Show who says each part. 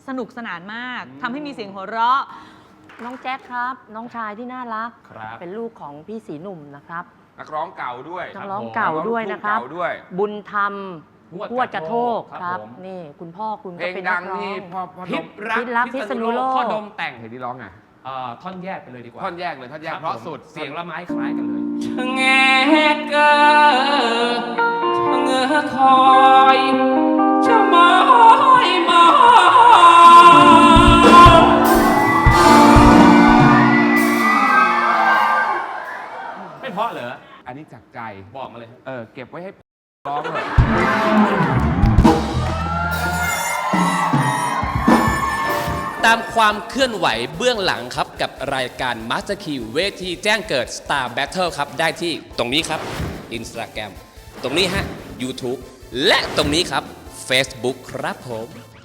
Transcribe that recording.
Speaker 1: สนุกสนานมากทำให้มีเสียงหัวเราะ
Speaker 2: น้องแจ็คครับน้องชายที่น่ารัก
Speaker 3: ครับ
Speaker 2: เป็นลูกของพี่สีหนุ่มนะครับ
Speaker 4: นักร้องเก่าด้วย
Speaker 2: นักร้องเก่าด้วยนะครับ
Speaker 4: นักร้องลูกทุ่งเก่าด้วย
Speaker 2: บุญธรรม
Speaker 3: ฮวดกระโทก
Speaker 2: ครับ
Speaker 3: ผม
Speaker 2: นี่คุณพ่อคุณ
Speaker 4: เพล
Speaker 2: ก็
Speaker 4: ง
Speaker 2: เป็น
Speaker 4: ดั
Speaker 2: นั
Speaker 4: ง
Speaker 2: กร้อง
Speaker 4: ที่พ่อ
Speaker 3: พิ
Speaker 4: ด
Speaker 3: ษ
Speaker 4: ม
Speaker 3: รัก
Speaker 2: พิษรักพิษณุโลก
Speaker 3: พ่อดมแต่ง
Speaker 4: เพลงที่ร้องไง
Speaker 3: ท่อนแยกไปเลยดีกว่า
Speaker 4: ท่อนแยกเลยท่อนแยก
Speaker 3: คบ
Speaker 4: เพราะสุด
Speaker 3: เสียงละไม้คล้ายกันเลย
Speaker 5: ชะแงเกอชะเงอคอยชะมอยมอง
Speaker 3: ไม่เพราะเหรอ
Speaker 4: อันนี้จากใจ
Speaker 3: บอกมาเลย
Speaker 4: เก็บไว้ให้ร้องเลย
Speaker 5: ตามความเคลื่อนไหวเบื้องหลังครับกับรายการ Master Key เวทีแจ้งเกิด Star Battle ครับได้ที่ตรงนี้ครับ Instagram ตรงนี้ฮะ YouTube และตรงนี้ครับ Facebook ครับผม